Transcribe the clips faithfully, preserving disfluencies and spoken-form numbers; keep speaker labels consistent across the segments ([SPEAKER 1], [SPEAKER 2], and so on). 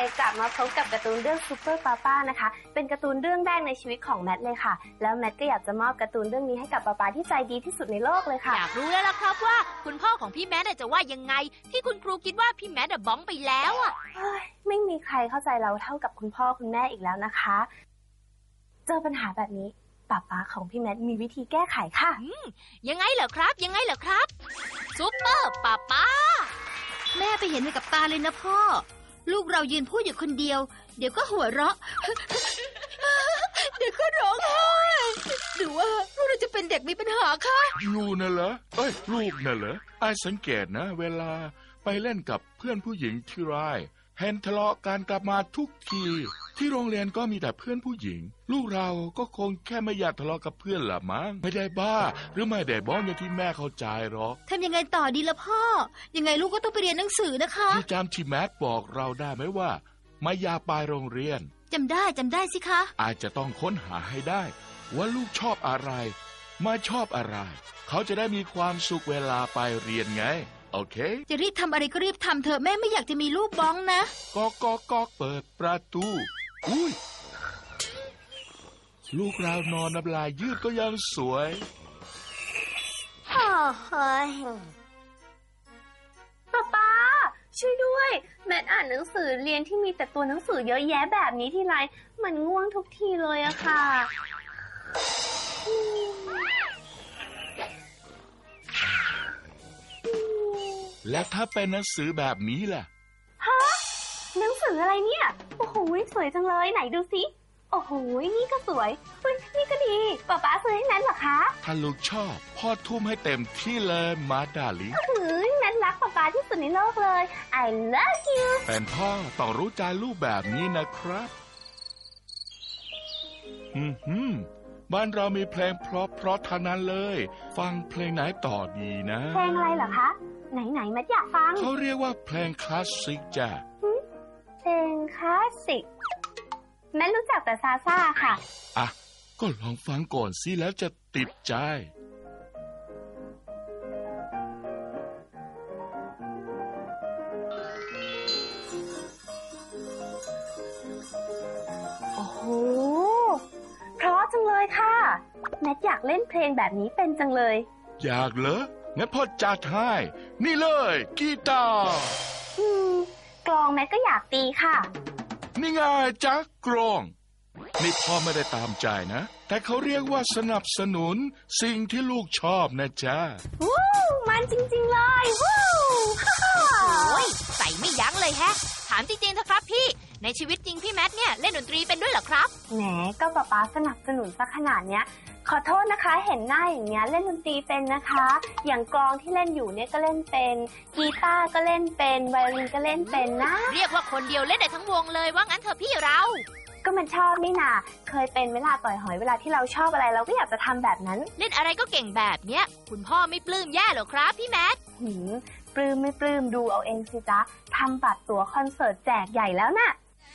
[SPEAKER 1] กลับมาพบกับการ์ตูนเรื่องซูเปอร์ป้าป้านะคะเป็นการ์ตูนเรื่องแรกในชีวิตของแมทเลยค่ะแล้วแมทก็อยากจะมอบการ์ตูนเรื่องนี้ให้กับป้าป้าที่ใจดีที่สุดในโลกเลยค่ะ
[SPEAKER 2] อยากรู้แล้วล่ะครับว่าคุณพ่อของพี่แมทจะว่ายังไงที่คุณครูคิดว่าพี่แมทบ้องไปแล้วอ่ะ
[SPEAKER 1] ไม่มีใครเข้าใจเราเท่ากับคุณพ่อคุณแม่อีกแล้วนะคะเจอปัญหาแบบนี้ป้าป้าของพี่แมทมีวิธีแก้ไขค่ะ
[SPEAKER 2] ยังไงเหรอครับยังไงเหรอครับซูเปอร์ป้าป้า
[SPEAKER 3] แม่ไปเห็นมากับตาเลยนะพ่อลูกเรายืนพูดอยู่คนเดียวเดี๋ยวก็หัวเราะเดี๋ยวก็ร้องไห้หรือว่าลูกเราจะเป็นเด็กมีปัญหาคะ
[SPEAKER 4] ลูกน่ะเหรอเอ้ยลูกน่ะเหรอไอ้สังเกตนะเวลาไปเล่นกับเพื่อนผู้หญิงที่ไรเห็นทะเลาะกันกลับมาทุกทีที่โรงเรียนก็มีแต่เพื่อนผู้หญิงลูกเราก็คงแค่ไม่อยากทะเลาะกับเพื่อนละมั้งไม่ได้บ้าหรือไม่ได้บ้องอย่างที่แม่เข้าใจหรอก
[SPEAKER 3] ทำยังไงต่อดีล่ะพ่อยังไงลูกก็ต้องไปเรียนหนังสือนะคะ
[SPEAKER 4] ที่จำที่แม็กบอกเราได้ไหมว่าไม่อยากไปโรงเรียน
[SPEAKER 3] จำได้จำได้สิคะ
[SPEAKER 4] อาจจะต้องค้นหาให้ได้ว่าลูกชอบอะไรไม่ชอบอะไรเขาจะได้มีความสุขเวลาไปเรียนไงโอเค
[SPEAKER 3] จะรีบทำอะไรก็รีบทำเถอะแม่ไม่อยากจะมีลูกบ้องนะ
[SPEAKER 4] ก๊อกก๊อกก๊อกเปิดประตูอุ้ยลูกเรานอนน้ำลายยืดก็ยังสวย
[SPEAKER 1] โอ้โหป๊าป๊าช่วยด้วยแมทอ่านหนังสือเรียนที่มีแต่ตัวหนังสือเยอะแยะแบบนี้ทีไรมันง่วงทุกทีเลยอะค่ะ
[SPEAKER 4] และถ้าเป็นหนังสือแบบนี้ล่ะ
[SPEAKER 1] ฮะหนังสืออะไรเนี่ยโอ้โหสวยจังเลยไหนดูสิโอ้โหนี่ก็สวยเฮ้ยนี่ก็ดีป๊าป๊าซื้อให้นั้นเหรอคะ
[SPEAKER 4] ถ้าลูกชอบพ่อทุ่มให้เต็มที่เลยมาดาลิง
[SPEAKER 1] เฮ้ยนั้นรักป๊าป๊าที่สุดในโลกเลย I love you
[SPEAKER 4] เป็นพ่อต้องรู้ใจลูกแบบนี้นะครับอืมฮึบ้านเรามีเพลงเพราะเพราะทางนั้นเลยฟังเพลงไหนต่อดีนะ
[SPEAKER 1] เพลงอะไรเหรอคะไหนไหนมาอยากฟัง
[SPEAKER 4] เขาเรียกว่าเพลงคลาสสิกจ้ะ
[SPEAKER 1] เพลงคลาสสิกแม่รู้จักแต่ซาซ่าค่ะ
[SPEAKER 4] อ่ะก็ลองฟังก่อนสิแล้วจะติดใจ
[SPEAKER 1] โอ้โหเพราะจังเลยค่ะแม่อยากเล่นเพลงแบบนี้เป็นจังเลย
[SPEAKER 4] อยากเหรองั้นพ่อจัดให้นี่เลยกีตาร์
[SPEAKER 1] อืมกลองแม่ก็อยากตีค่ะ
[SPEAKER 4] นี่ไงจ๊ะกลองนี่พ่อไม่ได้ตามใจนะแต่เขาเรียกว่าสนับสนุนสิ่งที่ลูกชอบนะจ๊ะ
[SPEAKER 1] วู้มันจริงๆเลยวู้
[SPEAKER 2] โอ้ยใส่ไม่ยั้งเลยแฮะถามจริงๆเถอะครับพี่ในชีวิตจริงพี่แมทเนี่ยเล่นดนตรีเป็นด้วยเหรอครับ
[SPEAKER 1] แหมก็ป๊าป๊าสนับสนุนซะขนาดเนี้ยขอโทษนะคะเห็นหน้าอย่างเงี้ยเล่นดนตรีเป็นนะคะอย่างกลองที่เล่นอยู่เนี่ยก็เล่นเป็นกีตาร์ก็เล่นเป็นไวโอลินก็เล่นเป็นนะ
[SPEAKER 2] เรียกว่าคนเดียวเล่นได้ทั้งวงเลยว่างั้นเถอะพี่เรา
[SPEAKER 1] ก็มันชอบนี่นาเคยเป็นเวลาต่อยหอยเวลาที่เราชอบอะไรเราก็อยากจะทำแบบนั้น
[SPEAKER 2] เล่นอะไรก็เก่งแบบเนี้ยคุณพ่อไม่ปลื้มแย่หรอครับพี่แมท
[SPEAKER 1] หืมปลื้มไม่ปลื้มดูเอาเองสิจ๊ะทำบัตรตั๋วคอนเสิร์ตแจกใหญ่แล้วน่ะ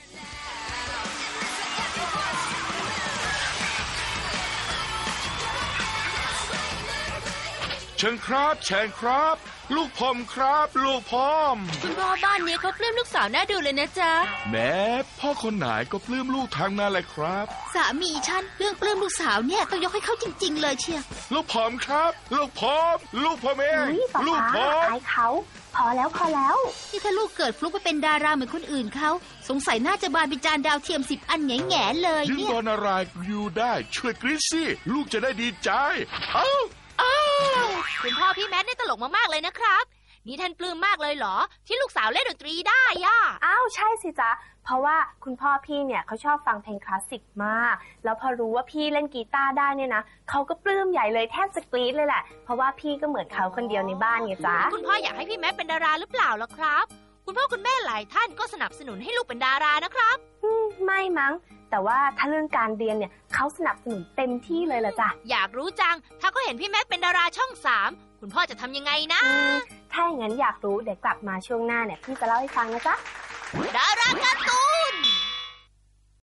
[SPEAKER 4] เชิญครับเชิญครับลูกพอมครับลูกพอม
[SPEAKER 3] คุณพ่อบ้านนี้เขาปลื้มลูกสาวน่าดูเลยนะจ๊ะ
[SPEAKER 4] แม่พ่อคนไหนก็ปลื้มลูกทางนั้นแหละครับ
[SPEAKER 3] สามีฉันเรื่องปลื้มลูกสาวเนี่ยต้องยกให้เขาจริงๆเลยเชีย
[SPEAKER 4] ลูกพอมครับลูกพอมลูกพอมเอง
[SPEAKER 1] ลูกพอมอายเขาพอแล้วพอแล้ว
[SPEAKER 3] นี่ถ้าลูกเกิดฟลุกไปเป็นดาราเหมือนคนอื่นเขาสงสัยน่าจะบานเป็นจานดาวเทียมสิบอันแง่ๆเลย
[SPEAKER 4] เนี่ยยิ่งตอนอะไรอยู่ได้ช่วยกรี๊ดสิลูกจะได้ดีใจเอ้า
[SPEAKER 2] คุณพ่อพี่แมทนี่ตลกมากๆเลยนะครับนี่ท่านปลื้มมากเลยเหรอที่ลูกสาวเล่นดนตรีได้ย่า
[SPEAKER 1] อ้าวใช่สิจ๊ะเพราะว่าคุณพ่อพี่เนี่ยเขาชอบฟังเพลงคลาสสิกมากแล้วพอรู้ว่าพี่เล่นกีตาร์ได้เนี่ยนะเขาก็ปลื้มใหญ่เลยแทบจะกรี๊ดเลยแหละเพราะว่าพี่ก็เหมือนเขาคนเดียวในบ้านไงจ๊ะ
[SPEAKER 2] คุณพ่ออยากให้พี่แมทเป็นดาราหรือเปล่าล่ะครับคุณพ่อคุณแม่หลายท่านก็สนับสนุนให้ลูกเป็นดารานะครับ
[SPEAKER 1] ไม่มั้งแต่ว่าถ้าเรื่องการเรียนเนี่ยเขาสนับสนุนเต็มที่เลยล่ะจ้ะ
[SPEAKER 2] อยากรู้จังถ้าเขาเห็นพี่แมทเป็นดาราช่องสามคุณพ่อจะทำยังไงนะ
[SPEAKER 1] ถ้าอย่างนั้นอยากรู้เดี๋ยวกลับมาช่วงหน้าเนี่ยพี่จะเล่าให้ฟังนะจ๊ะ
[SPEAKER 2] ดาราการ์ตูน